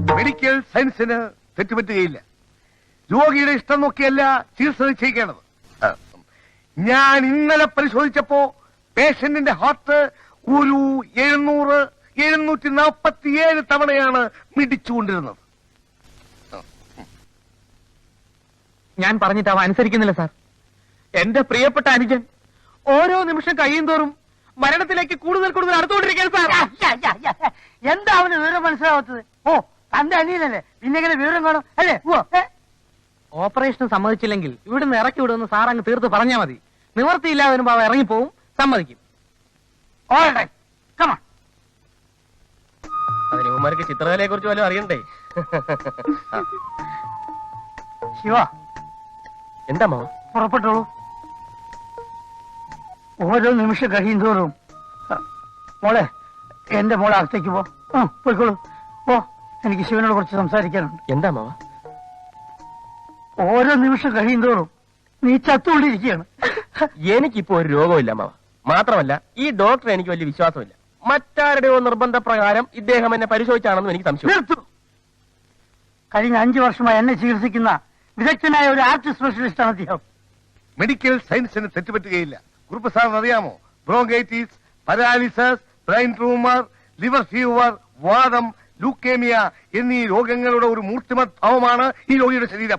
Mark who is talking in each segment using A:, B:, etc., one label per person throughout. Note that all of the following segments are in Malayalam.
A: മെഡിക്കൽ സയൻസിന് തെറ്റുപറ്റുകയില്ല. രോഗിയുടെ ഇഷ്ടം നോക്കിയല്ല ചികിത്സ നിശ്ചയിക്കേണ്ടത്. ഞാൻ ഇന്നലെ പരിശോധിച്ചപ്പോ പേഷ്യന്റിന്റെ ഹാർട്ട് ഒരു 747 തവണയാണ് മിടിച്ചുകൊണ്ടിരുന്നത്.
B: ഞാൻ പറഞ്ഞിട്ട് അവ അനുസരിക്കുന്നില്ല സാർ. എന്റെ പ്രിയപ്പെട്ട അനുജൻ ഓരോ നിമിഷം കഴിയും തോറും മരണത്തിലേക്ക് കൂടുതൽ അടുത്തുകൊണ്ടിരിക്കുകയാണ് സാർ.
C: എന്താ അവന് വിവരം മനസ്സിലാവാത്തത്? ഓ, തന്റെ അനിയനല്ലേ, പിന്നെ എങ്ങനെ വിവരം കാണും അല്ലേ?
B: ഓപ്പറേഷൻ സമ്മതിച്ചില്ലെങ്കിൽ ഇവിടുന്ന് ഇറക്കി വിടുമെന്ന് സാർ അങ്ങ് തീർത്ത് പറഞ്ഞാൽ മതി. നിവർത്തിയില്ലാതെ വരുമ്പോ അവ ഇറങ്ങിപ്പോവും, സമ്മതിക്കും.
D: അതിന് ഉമ്മാർക്ക് ചിത്രകലയെ കുറിച്ച് വല്ലതും അറിയണ്ടേ?
C: ശിവ,
D: എന്താ മാവ?
C: പുറപ്പെട്ടോളൂ. ഓരോ നിമിഷം കഴിയുന്തോറും മോളെ, എന്റെ മോളെ അകത്തേക്ക് പോയിക്കോളൂ. പോ, എനിക്ക് ശിവനോട് കുറച്ച് സംസാരിക്കാനുണ്ട്.
D: എന്താ മാവ?
C: ഓരോ നിമിഷം കഴിയുന്തോറും നീ ചത്തുകൊണ്ടിരിക്കുകയാണ്.
D: എനിക്കിപ്പോ ഒരു രോഗമില്ല മാവ. മാത്രമല്ല ഈ ഡോക്ടർ എനിക്ക് വലിയ വിശ്വാസമില്ല. മറ്റാരുടെയോ നിർബന്ധപ്രകാരം ഇദ്ദേഹം എന്നെ പരിശോധിച്ചാണെന്നും എനിക്ക് സംശയം.
C: കഴിഞ്ഞ 5 വർഷമായി എന്നെ ചികിത്സിക്കുന്ന വിദഗ്ധനായ ഒരു ആർട്ട് സ്പെഷ്യലിസ്റ്റ് ആണ് അദ്ദേഹം.
A: മെഡിക്കൽ സയൻസിന് തെറ്റുപറ്റുകയില്ല. കുറുപ്പ് സാറിന് അറിയാമോ? Bronchitis, paralysis, brain tumour, liver fever, വാദം, ലൂക്കേമിയ എന്നീ രോഗങ്ങളുടെ ഒരു മൂർത്തിമത് ഭാവമാണ് ഈ രോഗിയുടെ ശരീരം.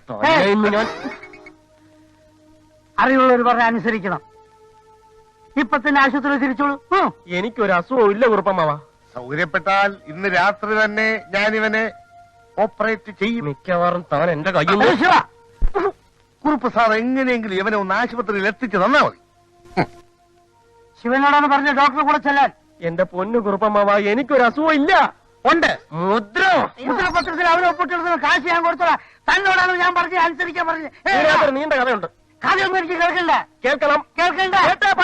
C: അറിവുള്ളവർ പറഞ്ഞ അനുസരിക്കണം. ഇപ്പൊ തന്നെ ആശുപത്രി തിരിച്ചോളൂ.
D: എനിക്കൊരു അസുഖവും ഇല്ല കുറുപ്പമാവ.
A: സൗകര്യപ്പെട്ടാൽ ഇന്ന് രാത്രി തന്നെ ഞാനിവനെ ഓപ്പറേറ്റ് ചെയ്യും.
D: മിക്കവാറും താൻ എന്റെ കയ്യിൽ.
A: കുറുപ്പ് സാർ എങ്ങനെയെങ്കിലും ഇവനെ ഒന്ന് ആശുപത്രിയിൽ എത്തിച്ചു തന്നാ മതി.
C: ശിവനോടാണ് പറഞ്ഞ ഡോക്ടറെ കൂടെ ചെല്ലാൻ.
D: എന്റെ പൊന്നു കുറുപ്പമാവ, എനിക്കൊരു അസുഖം ഇല്ല.
B: ഉണ്ട്.
C: മുദ്രപത്രത്തിൽ അവനെ ഒപ്പിട്ടെടുക്കുന്ന കാശ് ഞാൻ കൊടുത്തോളാം. തന്നോടാണ് ഞാൻ പറഞ്ഞത് അനുസരിക്കാൻ പറഞ്ഞത്.
D: നീണ്ട കഥയുണ്ട്.
C: കഥയൊന്നും എനിക്ക് കേൾക്കണ്ട.
D: കേൾക്കണം.
C: കേൾക്കണ്ട.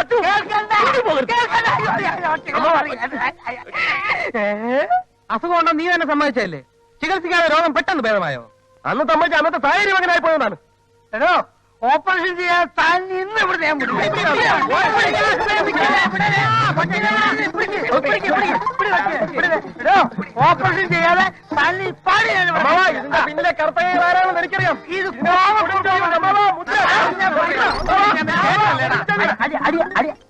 B: അസുഖം ഉണ്ടോ നീ തന്നെ സമ്മതിച്ചല്ലേ? ചികിത്സിക്കാതെ രോഗം പെട്ടെന്ന് ഭേദമായോ?
D: അന്ന് സമ്മതിച്ച അന്നത്തെ സാഹചര്യം അങ്ങനെ ആയി പോയതാണ്.
C: എടോ, ഓപ്പറേഷൻ ചെയ്യാൻ താൻ ഇന്ന് ഇവിടെ ഞാൻ ഓപ്പറേഷൻ ചെയ്യാതെ തല്ലി പാടി
D: പിന്നിലെ കർത്തവ്യം ആരാണെന്ന് എനിക്കറിയാം.
C: ഇത്